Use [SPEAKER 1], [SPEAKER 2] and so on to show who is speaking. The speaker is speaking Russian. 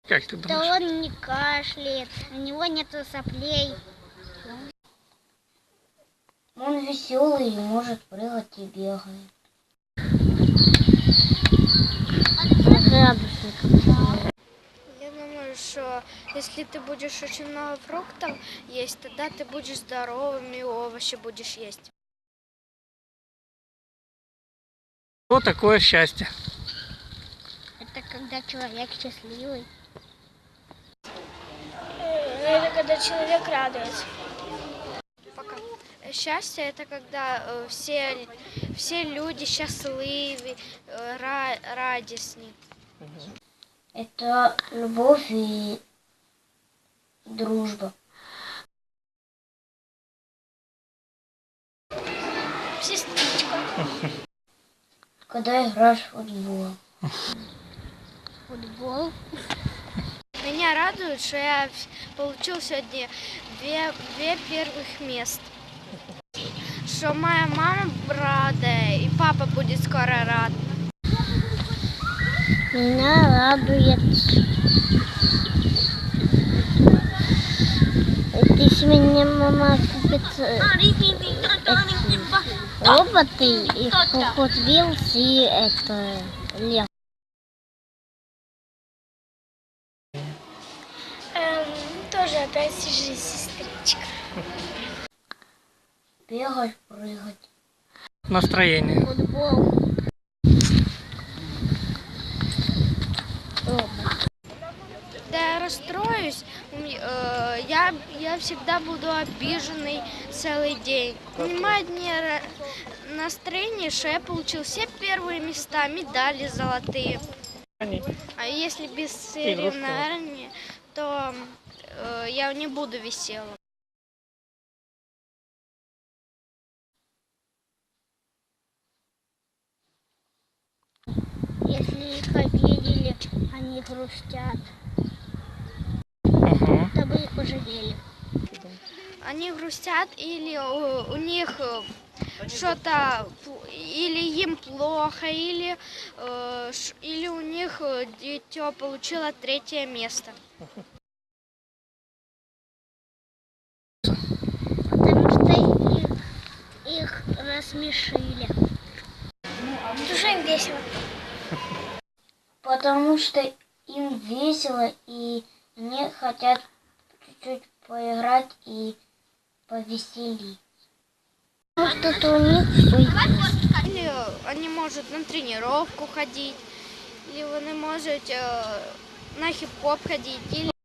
[SPEAKER 1] Как ты думаешь?
[SPEAKER 2] Да он не кашляет, у него нету соплей.
[SPEAKER 3] Он веселый и может прыгать и бегать.
[SPEAKER 4] Я думаю, что если ты будешь очень много фруктов есть, тогда ты будешь здоровым и овощи будешь есть.
[SPEAKER 1] Что такое счастье?
[SPEAKER 2] Это когда человек счастливый.
[SPEAKER 4] Это когда человек радуется. Пока. Счастье это когда все люди счастливы, радостны.
[SPEAKER 3] Это любовь и дружба.
[SPEAKER 4] Сестричка.
[SPEAKER 3] Когда играешь в футбол.
[SPEAKER 2] Футбол.
[SPEAKER 4] Меня радует, что я получил сегодня две первых мест. Что моя мама рада и папа будет скоро рад.
[SPEAKER 2] Меня радует. Если мне мама купит роботы и Hot Wheels и это Лего.
[SPEAKER 4] Тоже опять же сестричка.
[SPEAKER 3] Бегать, прыгать.
[SPEAKER 1] Настроение.
[SPEAKER 2] Футбол.
[SPEAKER 4] Когда я расстроюсь, я всегда буду обиженный целый день. Понимаю, мне настроение, что я получил все первые места, медали золотые. А если без соревнований, то я не буду веселым.
[SPEAKER 2] Если их обидели, они грустят.
[SPEAKER 1] Угу.
[SPEAKER 2] Чтобы их пожалели.
[SPEAKER 4] Они грустят или у них что-то, или им плохо, или у них дитё получило 3-е место.
[SPEAKER 2] Потому что их рассмешили.
[SPEAKER 4] Уже им весело.
[SPEAKER 3] Потому что им весело и они хотят чуть-чуть поиграть и повеселить.
[SPEAKER 2] Потому что у них все есть.
[SPEAKER 4] Или они могут на тренировку ходить, или они могут на хип-хоп ходить, или